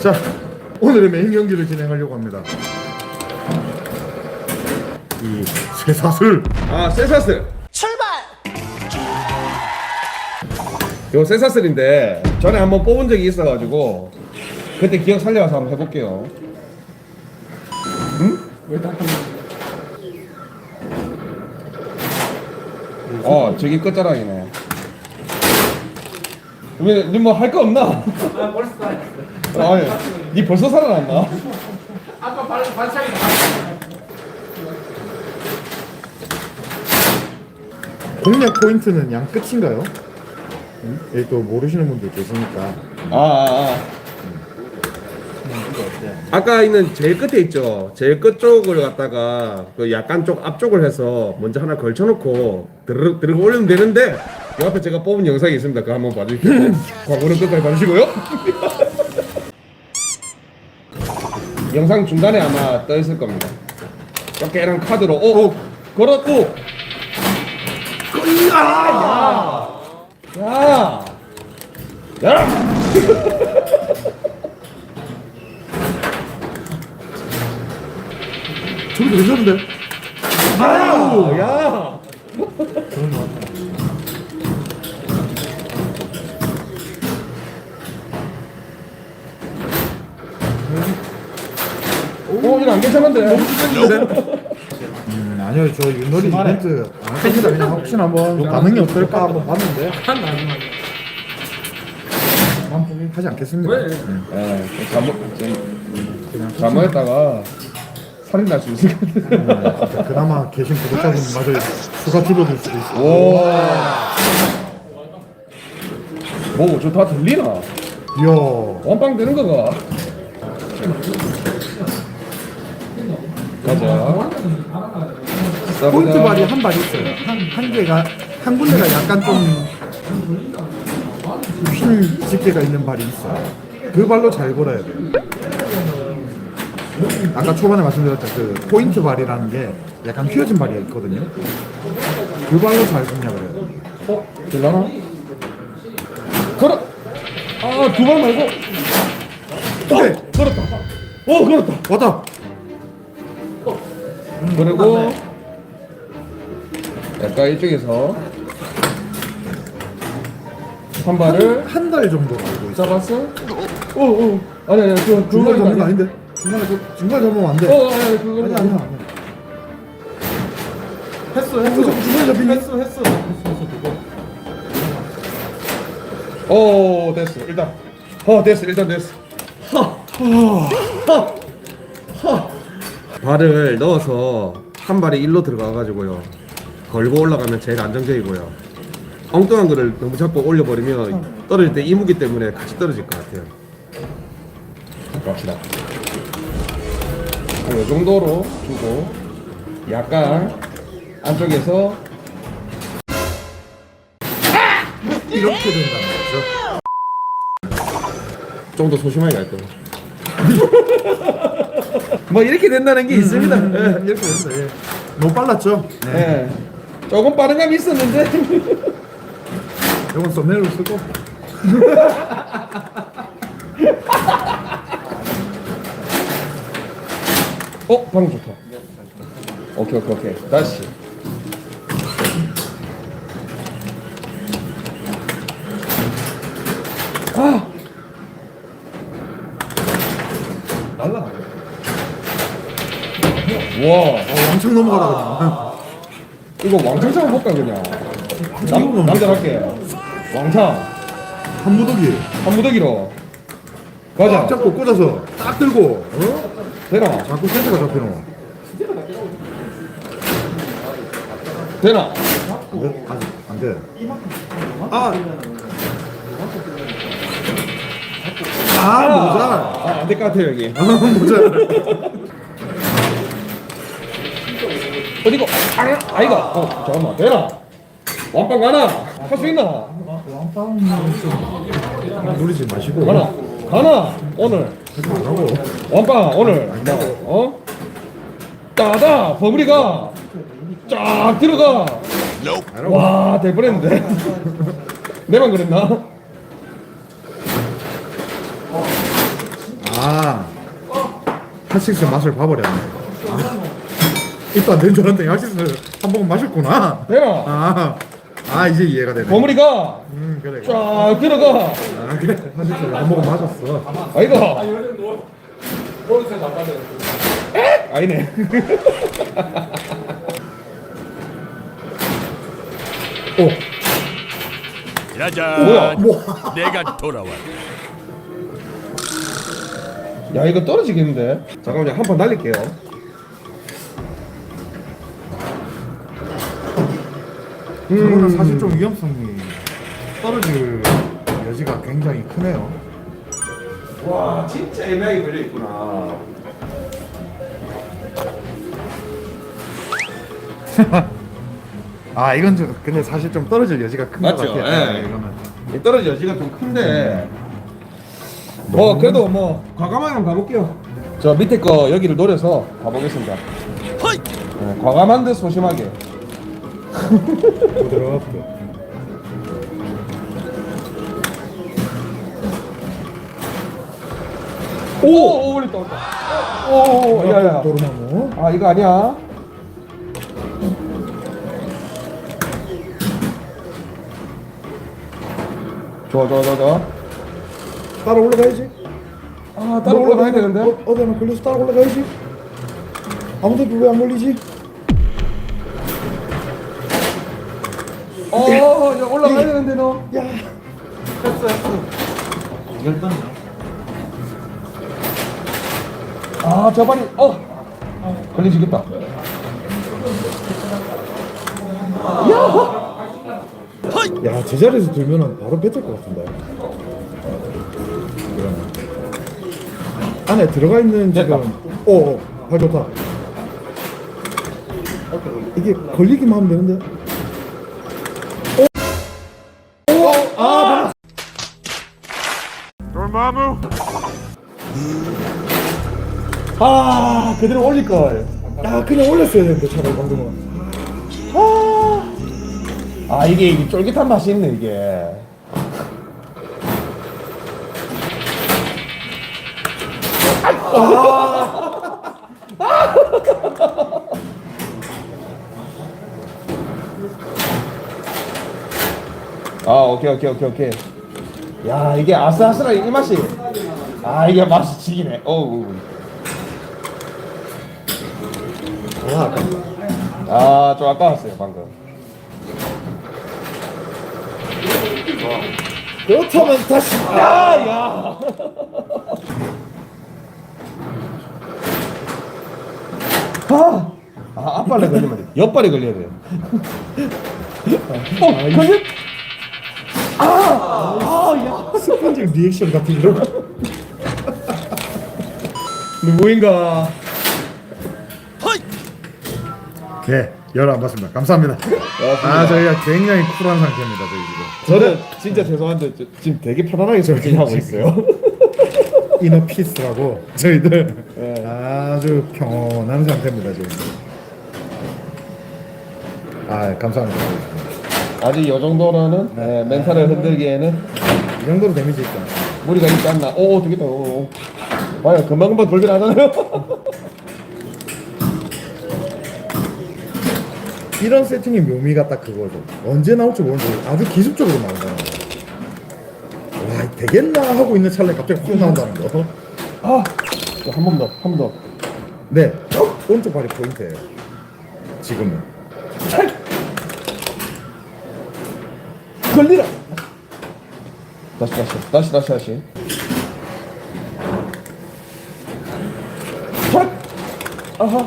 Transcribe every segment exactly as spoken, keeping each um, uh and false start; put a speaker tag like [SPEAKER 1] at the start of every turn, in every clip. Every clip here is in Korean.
[SPEAKER 1] 자, 오늘의 메인 경기를 진행하려고 합니다. 이 쇠사슬.
[SPEAKER 2] 아, 쇠사슬.
[SPEAKER 3] 출발!
[SPEAKER 2] 요 쇠사슬인데 전에 한번 뽑은 적이 있어가지고 그때 기억 살려서 한번 해볼게요. 응? 왜 다? 어, 저기 끝자락이네. 왜, 니 뭐 할 거 없나?
[SPEAKER 4] 아 벌써 다 했어.
[SPEAKER 2] 아니, 니 벌써 살아났나?
[SPEAKER 4] 아까 발 발차기 다.
[SPEAKER 1] 공략 포인트는 양 끝인가요? 응? 예, 또 모르시는 분들 계시니까.
[SPEAKER 2] 아, 아, 아. 아까 있는 제일 끝에 있죠. 제일 끝 쪽을 갖다가 그 약간 쪽 앞쪽을 해서 먼저 하나 걸쳐놓고 드르륵 드르륵 올리면 되는데 이 앞에 제가 뽑은 영상이 있습니다. 그거 한번 봐주십시오. 광고는 끝까지 봐주시고요. 영상 중간에 아마 떠 있을 겁니다. 깨랑 카드로 오, 오 걸었고. 야, 야, 야.
[SPEAKER 1] 저기도 괜찮은데?
[SPEAKER 2] 아유, 야. 오, 이거 안 괜찮은데?
[SPEAKER 1] 음, 아니요, 저 윷놀이 이벤트 안 합니다. 그냥 혹시나 한번 반응이 어떨까 한번 봤는데
[SPEAKER 4] 한 마지막에.
[SPEAKER 1] 하지 않겠습니다.
[SPEAKER 4] 왜?
[SPEAKER 1] 음,
[SPEAKER 2] 예, 잘못,
[SPEAKER 1] 그냥
[SPEAKER 2] 잘못했다가 살인 날 수 있을 것 같아.
[SPEAKER 1] 음, 진짜 그나마 계신 구독자분마저 수가 줄어들 수도 있어.
[SPEAKER 2] 오. 뭐, 저 다 들리나?
[SPEAKER 1] 이야,
[SPEAKER 2] 원빵 되는 거가. 가자.
[SPEAKER 1] 포인트 발이 한 발 있어요. 한, 한 개가, 한 군데가 약간 좀 핀 집게가 있는 발이 있어요. 그 발로 잘 걸어야 돼요. 아까 초반에 말씀드렸던 그 포인트 발이라는 게 약간 휘어진 발이 있거든요. 그 발로 잘 공략을 해야 돼요.
[SPEAKER 2] 어? 될라나? 걸어! 아, 두 발 말고.
[SPEAKER 1] 오케이!
[SPEAKER 2] 어, 걸었다. 오, 걸었다.
[SPEAKER 1] 왔다!
[SPEAKER 2] 그리고 약간 이쪽에서 한 발을
[SPEAKER 1] 한 달 정도 알고 있어.
[SPEAKER 2] 잡았어. 오, 오. 아니, 아니, 그,
[SPEAKER 1] 중간에 잡는 거
[SPEAKER 2] 아니야.
[SPEAKER 1] 아닌데? 중간에, 그- 중간에 잡으면 안 돼.
[SPEAKER 2] 어, 아니, 아니, 그거
[SPEAKER 1] 아니, 아니야, 아니야.
[SPEAKER 4] 했어
[SPEAKER 1] 했어. 중간에 잡히니?
[SPEAKER 4] 했어 했어 했어 그거.
[SPEAKER 2] 오, 됐어. 일단. 어, 됐어. 일단 됐어. 발을 넣어서 한 발이 일로 들어가가지고요. 걸고 올라가면 제일 안정적이고요. 엉뚱한 거를 너무 자꾸 올려버리면 떨어질 때 이무기 때문에 같이 떨어질 것 같아요. 갑시다. 이 정도로 주고 약간 안쪽에서
[SPEAKER 1] 이렇게 된다는 거죠.
[SPEAKER 2] 좀 더 소심하게 갈 거예요. 뭐 이렇게 된다는 게 있습니다.
[SPEAKER 1] 음,
[SPEAKER 2] 예.
[SPEAKER 1] 이렇게 된다. 예. 너무 빨랐죠?
[SPEAKER 2] 예. 조금 빠른 감이 있었는데.
[SPEAKER 1] 이건 썸네일로 쓰고.
[SPEAKER 2] 어, 방금 좋다. 오케이, 오케이, 오케이. 다시. 아! 날라. 와,
[SPEAKER 1] 어, 왕창 넘어가라 그냥.
[SPEAKER 2] 이거 왕창창 볼까 그냥. 남, 남자답게. 왕창.
[SPEAKER 1] 한 무더기.
[SPEAKER 2] 한 무더기로.
[SPEAKER 1] 딱
[SPEAKER 2] 가자.
[SPEAKER 1] 잡고 꽂아서 딱 들고. 어?
[SPEAKER 2] 되나?
[SPEAKER 1] 자꾸 센터가 잡히노.
[SPEAKER 2] 되나?
[SPEAKER 1] 안 돼? 아직 안 돼. 아. 아, 모자.
[SPEAKER 2] 아, 안 될 것 같아요, 여기.
[SPEAKER 1] 아, 모자.
[SPEAKER 2] 어디고? 아, 아이가. 어, 잠깐만. 되나? 왕빵 가나? 할 수 있나?
[SPEAKER 1] 왕빵은 좀 노리지 마시고.
[SPEAKER 2] 가나? 가나? 오늘.
[SPEAKER 1] 하지 말라고.
[SPEAKER 2] 왕빵, 오늘. 어? 따다! 버블이가 쫙 들어가! 와, 대버렸는데? 내만 그랬나?
[SPEAKER 1] 핫식스 맛을 봐버렸네. 아, 입도 안 된 줄 알았는데 핫식스 한 번 마셨구나.
[SPEAKER 2] 내가
[SPEAKER 1] 아, 아 이제 이해가 되네.
[SPEAKER 2] 버무리가
[SPEAKER 1] 음 그래.
[SPEAKER 2] 쫙 들어가.
[SPEAKER 1] 아 그래. 핫식스 한 번 마셨어.
[SPEAKER 2] 아이가
[SPEAKER 4] 보너스 안 받아요.
[SPEAKER 2] 아니네.
[SPEAKER 1] 오.
[SPEAKER 3] 짜잔.
[SPEAKER 2] 뭐야?
[SPEAKER 3] 내가 돌아왔다.
[SPEAKER 2] 야 이거 떨어지겠는데? 잠깐만요 한 판 날릴게요.
[SPEAKER 1] 저거는 사실 좀 위험성이 떨어질 여지가 굉장히 크네요.
[SPEAKER 2] 와 진짜 애매하게 걸려 있구나.
[SPEAKER 1] 아 이건 좀 근데 사실 좀 떨어질 여지가 큰 것
[SPEAKER 2] 맞죠?
[SPEAKER 1] 같아요.
[SPEAKER 2] 예.
[SPEAKER 1] 네, 이거는.
[SPEAKER 2] 이 떨어질 여지가 좀 큰데. 뭐 그래도 뭐 과감하게 한번 가볼게요. 저 밑에 거 여기를 노려서 가보겠습니다.
[SPEAKER 3] 허이.
[SPEAKER 2] 네, 과감한 듯 소심하게.
[SPEAKER 1] 부드럽게.
[SPEAKER 2] 오, 오, 올렸다, 올렸다. 오, 오, 야, 야.
[SPEAKER 1] 도루마무.
[SPEAKER 2] 아, 이거 아니야. 좋아, 좋아, 좋아, 좋아.
[SPEAKER 1] 따라 올라가야지.
[SPEAKER 2] 아, 따로 올라가야 되는데.
[SPEAKER 1] 어, 어디 하나 걸려서 따라 올라가야지. 아무도 왜 안 걸리지?
[SPEAKER 2] 어, 야, 올라가야 되는데, 너.
[SPEAKER 1] 야.
[SPEAKER 4] 했어 했어. 열단이야.
[SPEAKER 2] 아, 저 발이, 어. 걸리지겠다.
[SPEAKER 1] 야 제자리에서 들면은 바로 뱉을 것 같은데. 그러네. 안에 들어가 있는 지금. 오, 발 좋다. 이게 걸리기만 하면 되는데.
[SPEAKER 2] 아, 그대로 올릴걸.
[SPEAKER 1] 야 그냥 올렸어야 되는데 차라리 방금은.
[SPEAKER 2] 아, 이게, 이게 쫄깃한 맛이 있네, 이게. 아, 오케이, 오케이, 오케이, 오케이. 야, 이게 아슬아슬한 이 맛이. 아, 이게 맛이 지기네. 어우.
[SPEAKER 1] 아 아깝다.
[SPEAKER 2] 아, 좀 아까웠어요, 방금.
[SPEAKER 1] 그렇다면 다시.
[SPEAKER 2] 야, 야. 아, 아, 앞발에 걸리면 돼. 옆발에 걸려야 돼. 어, 걸려?
[SPEAKER 1] 습관적 리액션 같은 이런 거.
[SPEAKER 2] 누구인가?
[SPEAKER 3] 허이.
[SPEAKER 1] 네, 열안 받습니다. 감사합니다. 아 저희가 굉장히 쿨한 상태입니다 저희 지금.
[SPEAKER 2] 저는 진짜 죄송한데 저, 지금 되게 편안하게 절제하고 있어요.
[SPEAKER 1] 이너 피스라고 저희들
[SPEAKER 2] 네.
[SPEAKER 1] 아주 평온한 상태입니다 지금. 아 감사합니다.
[SPEAKER 2] 아직 이 정도로는 네, 멘탈을 흔들기에는
[SPEAKER 1] 이 정도로 데미지 있다.
[SPEAKER 2] 무리가 있지 않나. 오, 되겠다. 오. 봐요, 금방금방 돌긴 하잖아요.
[SPEAKER 1] 이런 세팅의 묘미가 딱 그거죠. 언제 나올지 모르는데 아주 기습적으로 나온다는 거. 와 되겠나 하고 있는 찰나에 갑자기 훅 나온다는 거.
[SPEAKER 2] 아, 한 번 더, 한 번 더.
[SPEAKER 1] 네, 오른쪽 발이 포인트예요. 지금은.
[SPEAKER 2] 걸리라. 다시, 다시, 다시, 다시, 다시. 탁! 아하.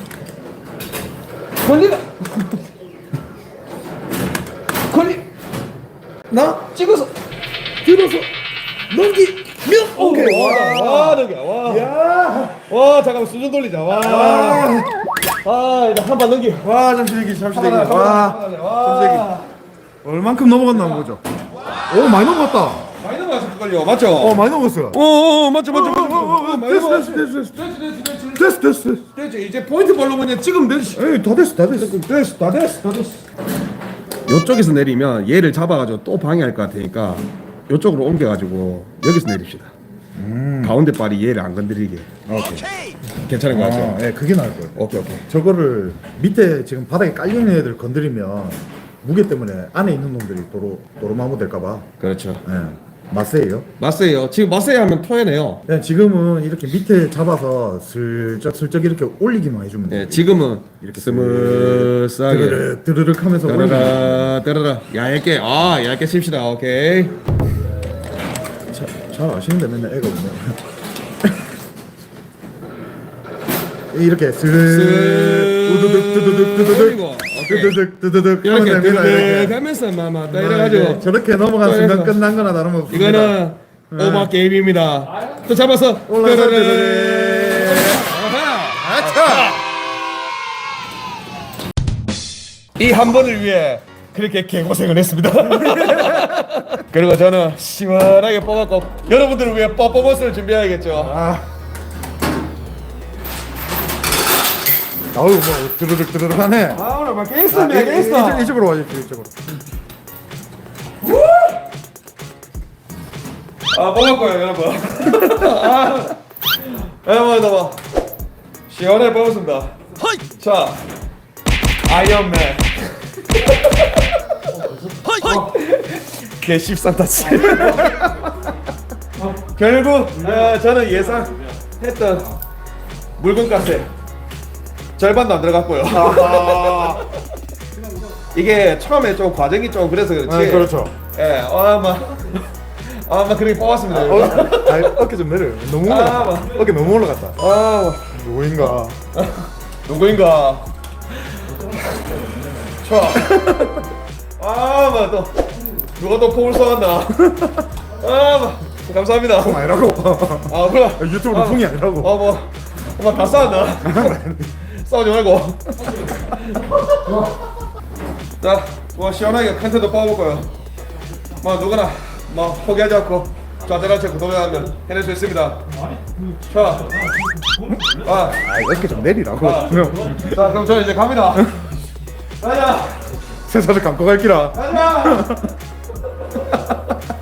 [SPEAKER 2] 걸리라. 걸리.
[SPEAKER 1] 나
[SPEAKER 2] 찍어서.
[SPEAKER 1] 들어서 넘기면 오케이.
[SPEAKER 2] 와,
[SPEAKER 1] 와.
[SPEAKER 2] 와, 넘겨. 와.
[SPEAKER 1] 야.
[SPEAKER 2] 와, 잠깐만 수준 돌리자. 와.
[SPEAKER 1] 아.
[SPEAKER 2] 아, 일단 한 번 넘겨.
[SPEAKER 1] 와 잠시 대기 잠시 대기.
[SPEAKER 2] 하나, 하나,
[SPEAKER 1] 와.
[SPEAKER 2] 하나, 하나,
[SPEAKER 1] 잠시 대기.
[SPEAKER 2] 와.
[SPEAKER 1] 얼만큼 넘어갔나 보죠. 오 많이 넘어갔다.
[SPEAKER 2] 많이 넘어가서 걸려. 맞죠?
[SPEAKER 1] 어 많이 넘어갔어요.
[SPEAKER 2] 오, 오, 맞죠, 맞죠, 맞죠.
[SPEAKER 1] 어, 어, 어,
[SPEAKER 2] 많이
[SPEAKER 1] 됐어,
[SPEAKER 2] 넘어갔어.
[SPEAKER 1] 됐어, 됐어, 됐어.
[SPEAKER 2] 됐어, 됐어, 됐어.
[SPEAKER 1] 됐어 됐어 됐어.
[SPEAKER 2] 됐죠. 이제 포인트 발로 그냥 찍으면 되지.
[SPEAKER 1] 에이 다 됐어 다 됐어.
[SPEAKER 2] 됐어, 다 됐어, 다 됐어. 이쪽에서 내리면 얘를 잡아가지고 또 방해할 것 같으니까 이쪽으로 옮겨가지고 여기서 내립시다. 가운데 발이 얘를 안 건드리게.
[SPEAKER 1] 오케이.
[SPEAKER 3] 오케이.
[SPEAKER 2] 괜찮은 거 같죠?
[SPEAKER 1] 아, 예, 그게 나을 거예요.
[SPEAKER 2] 오케이 오케이.
[SPEAKER 1] 저거를 밑에 지금 바닥에 깔려 있는 애들 건드리면 무게 때문에 안에 있는 놈들이 도로 도로마무 될까봐.
[SPEAKER 2] 그렇죠.
[SPEAKER 1] 예, 마세예요.
[SPEAKER 2] 맞세요. 지금 맞세요 하면 토해내요.
[SPEAKER 1] 그냥 지금은 이렇게 밑에 잡아서 슬쩍 슬쩍 이렇게 올리기만 해주면 돼요.
[SPEAKER 2] 네, 지금은 이렇게 스물싸게
[SPEAKER 1] 드르륵 드르륵 하면서 올리면
[SPEAKER 2] 따라라 따라라 얇게 아 얇게 칩시다. 오케이.
[SPEAKER 1] 자, 잘 아시는데 맨날 애가 없네. 이렇게 슬 우두둑 두두둑 두두둑
[SPEAKER 2] 올리고, 오케이.
[SPEAKER 1] 두두둑 두두둑 하면
[SPEAKER 2] 이렇게
[SPEAKER 1] 됩니다.
[SPEAKER 2] 드르륵
[SPEAKER 1] 이렇게.
[SPEAKER 2] 하면서 마마 딱
[SPEAKER 1] 네,
[SPEAKER 2] 이래가지고
[SPEAKER 1] 저렇게 넘어간
[SPEAKER 2] 또
[SPEAKER 1] 순간
[SPEAKER 2] 해서.
[SPEAKER 1] 끝난 거나 다름없습니다.
[SPEAKER 2] 이거는
[SPEAKER 1] 네.
[SPEAKER 2] 오마 게임입니다. 또 잡아서
[SPEAKER 1] 올라가서
[SPEAKER 2] 드르륵.
[SPEAKER 1] 드르륵.
[SPEAKER 2] 아하.
[SPEAKER 1] 아차!
[SPEAKER 2] 이 한 번을 위해 그렇게 개고생을 했습니다. 그리고 저는 시원하게 뽑았고 여러분들을 위해 퍼포먼스를 준비해야겠죠.
[SPEAKER 1] 아. 아우 뭐 드르륵 드르륵 하네.
[SPEAKER 2] 아 오늘 막
[SPEAKER 1] 아,
[SPEAKER 2] 게임스입니다.
[SPEAKER 1] 이-
[SPEAKER 2] 게임스.
[SPEAKER 1] 이- 이쪽으로 와주십시오. 이쪽으로.
[SPEAKER 2] 아 뽑았고요 여러분. 아 여러분 너무 시원하게 뽑았습니다.
[SPEAKER 3] 허이
[SPEAKER 2] 자 아이언맨
[SPEAKER 3] 허이 허이
[SPEAKER 2] 개 십삼타치. 결국 어, 저는 예상했던 물건값에 절반도 안 들어갔고요. 이게 처음에 좀 과정이 좀 그래서 그렇지.
[SPEAKER 1] 아, 그렇죠.
[SPEAKER 2] 예, 어, 아마 아마 그렇게 뽑았습니다.
[SPEAKER 1] 어, 아, 어깨 좀 내려. 너무
[SPEAKER 2] 아,
[SPEAKER 1] 올라갔다.
[SPEAKER 2] 뭐.
[SPEAKER 1] 어깨 너무 올라갔다.
[SPEAKER 2] 아,
[SPEAKER 1] 누구인가?
[SPEAKER 2] 누구인가? 자, 아, 뭐 또 누가 또 포을 쏘았나? 아, 뭐 감사합니다.
[SPEAKER 1] 풍 아니라고.
[SPEAKER 2] 아, 그래.
[SPEAKER 1] 유튜브는
[SPEAKER 2] 아,
[SPEAKER 1] 풍이 아니라고.
[SPEAKER 2] 어, 뭐, 엄마 다 싸웠나? 싸우지 말고. 자, 뭐 시원하게 컨텐츠 뽑아볼 거예요. 뭐 누구나 뭐 포기하지 않고 좌절하지 않고 도전하면 해낼 수 있습니다. 자, 아,
[SPEAKER 1] 아, 어깨 좀 내리라고.
[SPEAKER 2] 아.
[SPEAKER 1] 그럼
[SPEAKER 2] 자, 그럼 저는 이제 갑니다. 가자,
[SPEAKER 1] 세상을 감고 갈기라.
[SPEAKER 2] 가자.